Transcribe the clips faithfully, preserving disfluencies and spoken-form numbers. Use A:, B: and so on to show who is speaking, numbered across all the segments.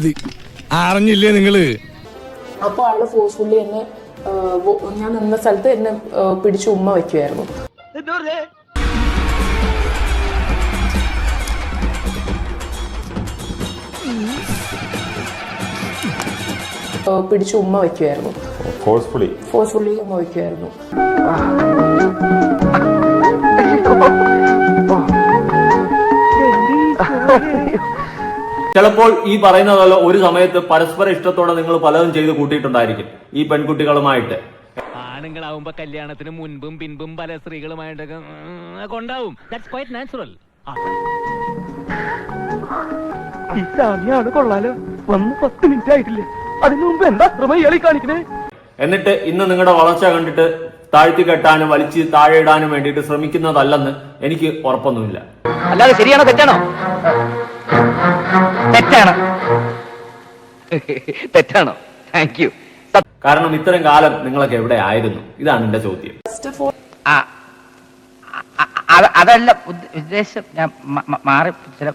A: മതി. അറിഞ്ഞില്ലേ നിങ്ങള്?
B: അപ്പൊ ആള് ഫോഴ്സ്ഫുള്ളി എന്നെ ഞാൻ നിന്ന സ്ഥലത്ത് എന്നെ പിടിച്ച് ഉമ്മ വയ്ക്കുമായിരുന്നു. പിടിച്ച് ഉമ്മ വയ്ക്കുമായിരുന്നു.
C: ഫോഴ്സ്ഫുള്ളി
B: ഫോഴ്സ്ഫുള്ളി ഉമ്മ വയ്ക്കുമായിരുന്നു.
D: ചിലപ്പോൾ ഈ പറയുന്നതല്ല ഒരു സമയത്ത് പരസ്പര ഇഷ്ടത്തോടെ നിങ്ങൾ പലതും ചെയ്ത് കൂട്ടിയിട്ടുണ്ടായിരിക്കും ഈ പെൺകുട്ടികളുമായിട്ട്.
E: ആണുങ്ങളാവുമ്പോ കല്യാണത്തിന് മുൻപും പിൻപും പല സ്ത്രീകളുമായിട്ടൊക്കെ കൊണ്ടാവും. That's quite natural.
F: ഈ സാമിയാണ് കൊള്ളാലോ. വന്ന് പത്ത് മിനിറ്റ് ആയിട്ടില്ലേ, അതിനു മുമ്പ് എന്താ ഇയാളി കാണിക്കണേ?
D: എന്നിട്ട് ഇന്ന് നിങ്ങളുടെ വളർച്ച കണ്ടിട്ട് താഴ്ത്തി കെട്ടാനും വലിച്ച് താഴെ ഇടാനും വേണ്ടിയിട്ട് ശ്രമിക്കുന്നതല്ലെന്ന് എനിക്ക് ഉറപ്പൊന്നുമില്ല.
F: അല്ലാതെ ശരിയാണോ തെറ്റാണോ? തെറ്റാണ്. തെറ്റാണോ? Thank you.
D: കാരണം ഇത്രയും കാലം നിങ്ങളൊക്കെ എവിടെ ആയിരുന്നു? ഇതാണ് എന്റെ ചോദ്യം.
F: അതല്ല ഉദ്ദേശം, ഞാൻ മാറി.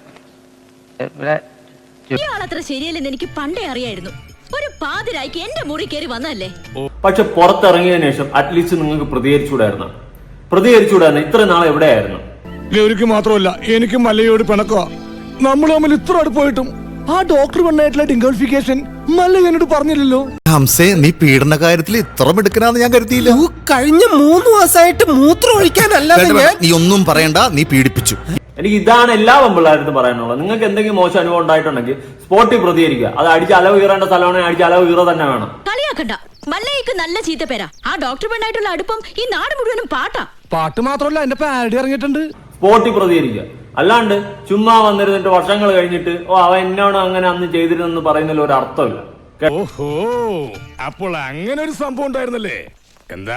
G: ഇയാളത്ര ശരിയല്ലെന്ന് എനിക്ക് പണ്ടേ അറിയായിരുന്നു. ഒരു പാതിരായിക്ക് എന്റെ മുറി കയറി വന്നല്ലേ.
D: പക്ഷെ പുറത്തിറങ്ങിയതിനു ശേഷം അറ്റ്ലീസ്റ്റ് നിങ്ങൾക്ക് പ്രതികരിച്ചുകൂടായിരുന്നു. പ്രതികരിച്ചുകൂടായിരുന്നു. ഇത്ര നാളെ എവിടെയായിരുന്നു?
A: ഗൗരിക്ക് മാത്രമല്ല എനിക്കും മല്ലയോട് പിണക്കോ. നമ്മൾ തമ്മിൽ ഇത്ര അടുപ്പായിട്ടും ആ ഡോക്ടർ പെണ്ണായിട്ടുള്ള ഡിംഗോളിഫിക്കേഷൻ മല്ല എന്നോട് പറഞ്ഞില്ലല്ലോ.
H: ഹംസേ, നീ പീഡന കാര്യത്തിൽ ഇത്ര മിടുക്കനാന്ന് ഞാൻ കരുതിയില്ല.
I: കഴിഞ്ഞ മൂന്ന് മാസമായിട്ട് മൂത്രം ഒഴിക്കാനല്ലാതെ
H: നീ ഒന്നും പറയണ്ട, നീ പീഡിപ്പിച്ചു.
D: എനിക്ക് ഇതാണ് എല്ലാ പെമ്പിള്ളാരടുത്തും പറയാനുള്ളത്. നിങ്ങൾക്ക് എന്തെങ്കിലും മോശം അനുഭവം ഉണ്ടായിട്ടുണ്ടെങ്കിൽ സ്പോട്ടിൽ പ്രതികരിക്കുക. അത് അടിച്ച് അലവ് കീറേണ്ട സ്ഥലമാണെങ്കിൽ അടിച്ച് അലവ് കീറ തന്നെ വേണം.
G: കളിയാക്കണ്ട. മല്ലയ്ക്ക് നല്ല ചീത്ത പേരാ. ആ ഡോക്ടർ പെണ്ണായിട്ടുള്ള അടുപ്പം ഈ നാട് മുഴുവനും പാട്ടാ.
A: പാട്ട് മാത്രമല്ല, എന്റെ പാരഡി ഇറങ്ങിയിട്ടുണ്ട്.
D: സ്പോട്ടിൽ പ്രതികരിക്കുക. അല്ലാണ്ട് ചുമ്മാ വന്നിരുന്നിട്ട് വർഷങ്ങൾ കഴിഞ്ഞിട്ട് ഓ അവൻ എന്നോട് അങ്ങനെ അന്ന് ചെയ്തിരുന്നെന്ന് പറയുന്നതിൽ ഒരു അർത്ഥമില്ല.
A: ഓഹോ, അപ്പോൾ അങ്ങനെ ഒരു സംഭവം ഉണ്ടായിരുന്നല്ലേ? എന്താ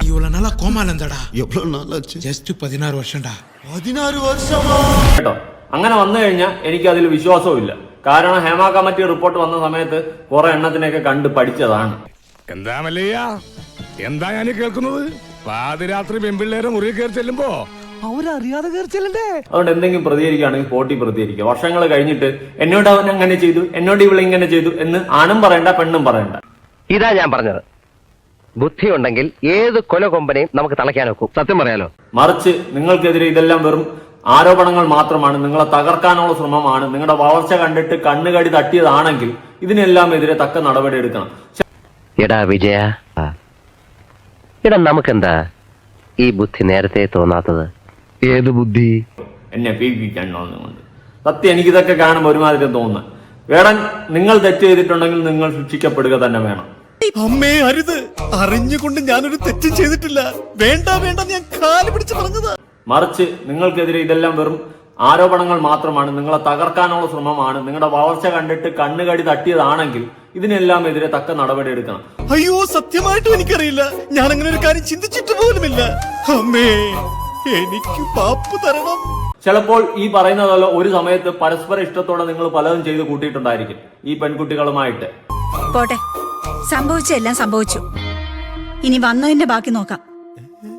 A: കേട്ടോ, അങ്ങനെ വന്നു കഴിഞ്ഞാൽ എനിക്ക് അതിൽ വിശ്വാസവും ഇല്ല. കാരണം ഹേമ കമ്മിറ്റി റിപ്പോർട്ട് വന്ന സമയത്ത് കുറെ എണ്ണത്തിനെയൊക്കെ കണ്ട് പഠിച്ചതാണ്. എന്താ മല്ലയ്യ, എന്താ ഞാൻ കേൾക്കുന്നത്? പാതിരാത്രി പെൺപിള്ളേരെ മുറി കയറി ചെല്ലുമ്പോ അവരറിയാതെ കയറി ചെല്ലണ്ടേ?
D: അതുകൊണ്ട് എന്തെങ്കിലും പ്രതികരിക്കുകയാണെങ്കിൽ സ്പോട്ടിൽ പ്രതികരിക്കുക. വർഷങ്ങൾ കഴിഞ്ഞിട്ട് എന്നോട് അവൻ അങ്ങനെ ചെയ്തു, എന്നോട് ഇവളെ ഇങ്ങനെ ചെയ്തു എന്ന് ആണും പറയണ്ട പെണ്ണും പറയണ്ട.
F: ഇതാ ഞാൻ പറഞ്ഞത്. ബുദ്ധി ഉണ്ടെങ്കിൽ ഏത് കൊല കൊമ്പനെയും നമുക്ക് തളയ്ക്കാൻ നോക്കും. സത്യം പറയാലോ.
D: മറിച്ച് നിങ്ങൾക്കെതിരെ ഇതെല്ലാം വെറും ആരോപണങ്ങൾ മാത്രമാണ്, നിങ്ങളെ തകർക്കാനുള്ള ശ്രമമാണ്. നിങ്ങളുടെ വളർച്ച കണ്ടിട്ട് കണ്ണുകടി തട്ടിയതാണെങ്കിൽ ഇതിനെല്ലാം എതിരെ തക്ക നടപടി എടുക്കണം.
F: എടാ വിജയ, എടാ നമുക്കെന്താ ഈ ബുദ്ധി നേരത്തെ തോന്നാത്തത്? ഏത് ബുദ്ധി?
D: എന്നെ പീഡിപ്പിക്കാൻ തോന്നുന്നുണ്ട്. സത്യം എനിക്കിതൊക്കെ കാണുമ്പോൾ ഒരുമാതിരി തോന്നുന്നു. വേടൻ, നിങ്ങൾ തെറ്റ് ചെയ്തിട്ടുണ്ടെങ്കിൽ നിങ്ങൾ ശിക്ഷിക്കപ്പെടുക തന്നെ വേണം.
H: അമ്മേ അരുത്, അറിഞ്ഞുകൊണ്ട് ഞാനൊരു തെറ്റും ചെയ്തിട്ടില്ല. വേണ്ട വേണ്ട, ഞാൻ കാല് പിടിച്ച് പറഞ്ഞതാ.
D: മറിച്ച് നിങ്ങൾക്കെതിരെ ഇതെല്ലാം വെറും ആരോപണങ്ങൾ മാത്രമാണ്, നിങ്ങളെ തകർക്കാനുള്ള ശ്രമമാണ്. നിങ്ങളുടെ വളർച്ച കണ്ടിട്ട് കണ്ണുകടി തട്ടിയതാണെങ്കിൽ ഇതിനെല്ലാം എതിരെ തക്ക നടപടി എടുക്കണം.
H: അയ്യോ, സത്യമായിട്ടും എനിക്കറിയില്ല. ഞാൻ അങ്ങനെ ഒരു കാര്യം ചിന്തിച്ചിട്ട് പോലുമില്ല. അമ്മേ, എനിക്ക് പാപ്പ് തരണം.
D: ചിലപ്പോൾ ഈ പറയുന്നതല്ല ഒരു സമയത്ത് പരസ്പര ഇഷ്ടത്തോടെ നിങ്ങൾ പലതും ചെയ്ത് കൂട്ടിയിട്ടുണ്ടായിരിക്കും ഈ പെൺകുട്ടികളുമായിട്ട്.
G: പോട്ടെ, സംഭവിച്ചെല്ലാം സംഭവിച്ചു. ഇനി വന്നതിന്റെ ബാക്കി നോക്കാം.